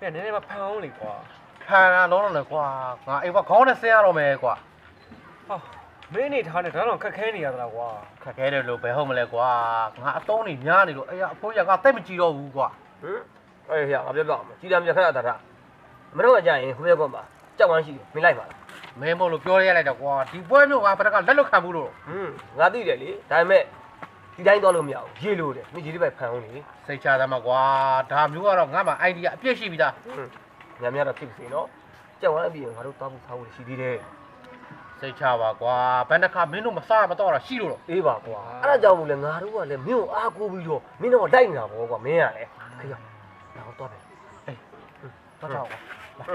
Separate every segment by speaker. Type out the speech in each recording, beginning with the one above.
Speaker 1: နည်းနည်းမဖန်အောင်လေကွာ
Speaker 2: ဖန်တာလုံးလုံးလေကွာငါအိမ်ကခေါင်းနဲ့ဆင်းရတော့မယ်ကွာ
Speaker 1: ဟာမင်းနေထားနဲ့ဒါတော့ခက်ခဲနေရသလားကွာ
Speaker 2: ခက်ခဲတယ်လို့ဘယ်ဟုတ်မလဲကွာငါအတုံးနေများနေလို့အေးအဖိုးရကတိတ်မကြည့်တော့ဘူးကွာ
Speaker 3: ဟင်အေးဟဲ့ငါပြောပြအောင်ကြည်တာမြခက်ရတာတာမတော့ကြရင်ဟိုဘက်ကမှကြောက်ဝမ်းရှိတယ်မင်းလိုက်ပါလား
Speaker 2: မင်းမို့လို့ပြောရလိုက်တော့ကွာဒီပွဲမျိုးကဘယ်တကလက်လွတ်ခံဘူးလို့
Speaker 3: ငါသိတယ်လေဒါပေမဲ့ဒီတိုင်းသွားလို့မရဘူးရေလို့တယ်မင်းရေလေးပဲဖန်အောင်လေ
Speaker 2: စိတ်ချသမှာကွာဒါမျိုးကတော့ငါမှ idea အပြည့်ရှိပြီသား
Speaker 3: ညများတော့ဖြစ်စေနော်ကြောက်ဝမ်းအပြင်ငါတို့တောက်ဖို့ထားဖို့ရှိသေးတယ်
Speaker 2: စိတ်ချပါကွာဘယ်နှခါမင်းတို့မစားမတော့တာရှိလို့တော့
Speaker 3: အေးပါကွာအဲ့ဒါကြောင့်မို့လဲငါတို့ကလည်းမင်းကိုအားကိုးပြီးတော့မင်းတော့တိုက်နေတာပေါ့ကွာမင်းကလည်းခေရောက်ငါတို့တော့တယ်
Speaker 2: အေးတော့တော့ကွာ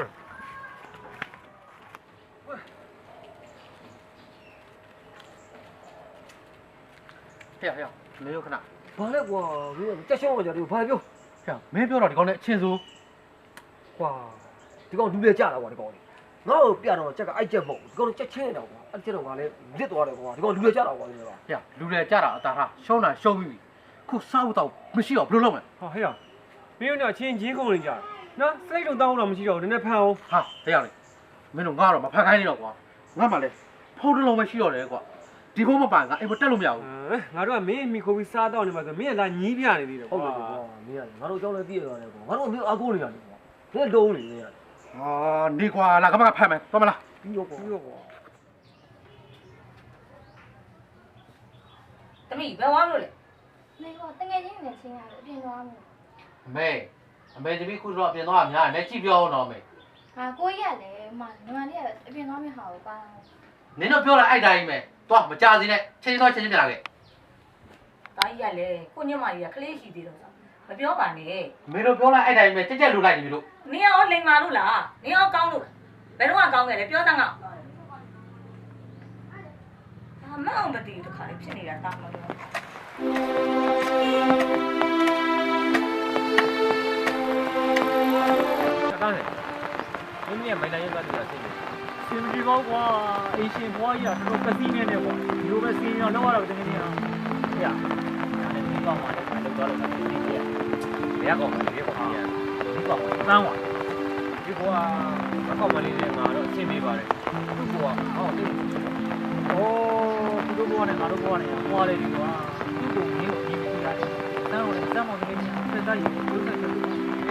Speaker 2: ဟဲ့နေရခဏ
Speaker 3: ဘာလဲကွာမင်းတက်ရှုံးကြတယ်ဘာပြော
Speaker 2: ဟဲ့မင်းပြောတော့ဒီကောင်နဲ့အချင်းစိုး
Speaker 3: ကွာဒီကောင်လူလေကြတာကွာဒီကောင်လေးငါ့ကိုပြတော့ချက်ကအိုက်ချက်မဟုတ်ဒီကောင်ချက်ချင်းနေတာကွာအဲ့ချက်တော့ငါလည်းလစ်သွားတယ်ကွာဒီကောင်လူလေကြတာကွာဒီကောင်
Speaker 2: ဟဲ့လူလေကြတာအတားထားရှုံးတာရှုံးပြီခုစားဖို့တော့မရှိတော့ဘယ်လိုလုပ်မလဲ
Speaker 1: ဟာဟဲ့မင်းတို့ချင်းချင်းကုန်နေကြတယ်နော်စိတ်လုံးတောင်းတော့မရှိတော့နည်းနည်းဖန်အောင်
Speaker 2: ဟာတရားလေမင်းတို့ငါတော့မဖန်ခိုင်းနေတော့ကွာငါမှလည်းဖုန်းတစ်လုံးပဲရှိတော့တယ်ကွာဒီဘုံမပန်ငါအိမ်မတက်လို့မရဘူး
Speaker 1: ငါတို့ကမင်းမိခိုးပြီးစားတော့နေမှာဆိုမင်းကလာညီးပြနေသေးတယ်ကွာ
Speaker 3: ဟုတ်တယ်ကွာမင်းကငါတို့အကြောင်းလည်းသိရတယ်ကွာငါတို့မျိုးအကူနေရတယ်ကွာမင်းလုံးနေနေရတယ်
Speaker 2: ဟာနေကွာလာကမကဖမ်းမယ်တော်မလား
Speaker 3: ပြီးတော့ကွာ
Speaker 4: တမီဘယ်ဝါလို့လဲ
Speaker 5: မေကတငယ်ချင်းနဲ့ချင်းရတယ်အပြင်သွားမယ်
Speaker 2: အမေတပည့်ခုတော့အပြင်သွားတာများလက်ကြည့်ပြောအောင်တော့မေ
Speaker 5: ဟာကိုကြီးကလည်းညီမလေးကအပြင်သွားမယ့်ဟာကိုပါ
Speaker 2: နင်တို့ပြောလိုက်အဲ့တိုင်းပဲသွားမကြစီနဲ့ချင်းချင်းပြန်လာခဲ့
Speaker 4: တာကြီးကလည်းကိုညမကြီးကကလေးရှိသေးတော့မပြောပါနဲ့
Speaker 2: မေတို့ပြောလိုက်အဲ့တိုင်းပဲကြက်ကြက်လူလိုက်နေပြီလို့
Speaker 4: နင်ရောလိန်မာလို့လားနင်ရောကောင်းလို့ဘယ်တော့မှကောင်းခဲ့လဲပြောစမ်းကမအောင်မတည်တခါလေးဖြစ်နေတာတောင်းလို့
Speaker 1: တားတယ်မင်းရဲ့မိုင်တိုင်းရောက်တာသိတယ်စင်မကြီးပေါ့ကွာအင်းရှင်ဘွားကြီးကတော့ကတိနေနေပေါ့ဒီလိုပဲစင်ရောလောက်ရတော့တကယ်ကြီးအောင်ဟဲ့ဒါနဲ့ဒီကောင်မှလည်းမလုပ်တော့လို့သိတယ်ဘယ်ကောင်မှဒီကောင်ကြီးဒီကောင်တန်းသွားဒီကွာအကောင်မလေးနဲ့ငါတော့အဆင်ပြေပါတယ်သူ့ကွာဟောတိတ်အိုးသူတို့ကွာနဲ့ငါတို့ကွာနဲ့ဟွာလေဒီကွာသူ့ကိုမင်းကိုမြင်ပြီးရတယ်တန်းတော့လည်းတန်းမောင်ကလေးကသက်သားကြီးကိုဆက်ဆက်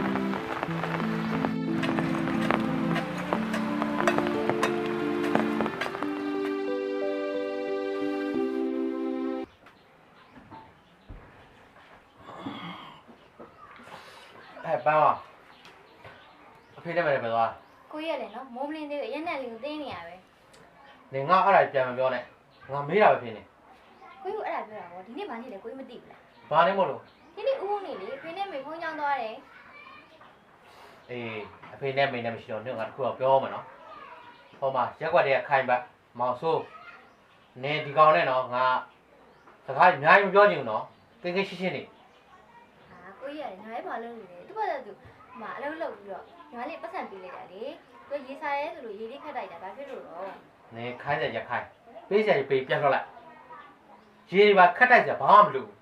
Speaker 2: ပန်းပါအဖေနဲ့မလည်းပဲသွား
Speaker 5: ကိုကြီးရတယ်နော်မိုးမလင်းသေးဘူးရက်နဲ့လေးကိုတင်းနေရပဲ
Speaker 2: နေငါအဲ့ဒါပြန်မပြောနဲ့ငါမေးတာပဲဖြစ်နေ
Speaker 5: ကိုကြီးအဲ့ဒါပြောတာပေါ့ဒီနေ့ဘာနေ့လဲကိုကြီးမသိဘူးလား
Speaker 2: ဘာနေမို့လို့
Speaker 5: ဒီနေ့ဦးဦးနေလေဖေနဲ့မေဖုန်းကြောင်းသွားတယ်
Speaker 2: အေးအဖေနဲ့မေနဲ့မရှိတော့ညငါတခုတော့ပြောမယ်နော်ဟောမှာရက်ွက်တဲ့ခိုင်ပတ်မောင်ဆိုးနေဒီကောင်နဲ့နော်ငါစကားအများကြီးမပြောချင်ဘူးနော်ကိန်းကိန်းရှင်းရှင်းနေ
Speaker 5: ဟာကိုကြီးရတယ်ညီမလေးဘာလုပ်နေလဲသူ့ဘာသာသူအလုပ်လုပ်ပြီးတော့ညီမလေးပတ်စံပေးလိုက်တာလေသူရေစားရဲဆိုလို့ရေလေးခတ်လိုက်တာဘာဖြစ်လို့တော့
Speaker 2: နေခိုင်းစရာရခိုင်းပေးစရာပေးပြန်ထွက်လိုက်ရေပါခတ်တိုက်စရာဘာမှမလုပ်ဘူး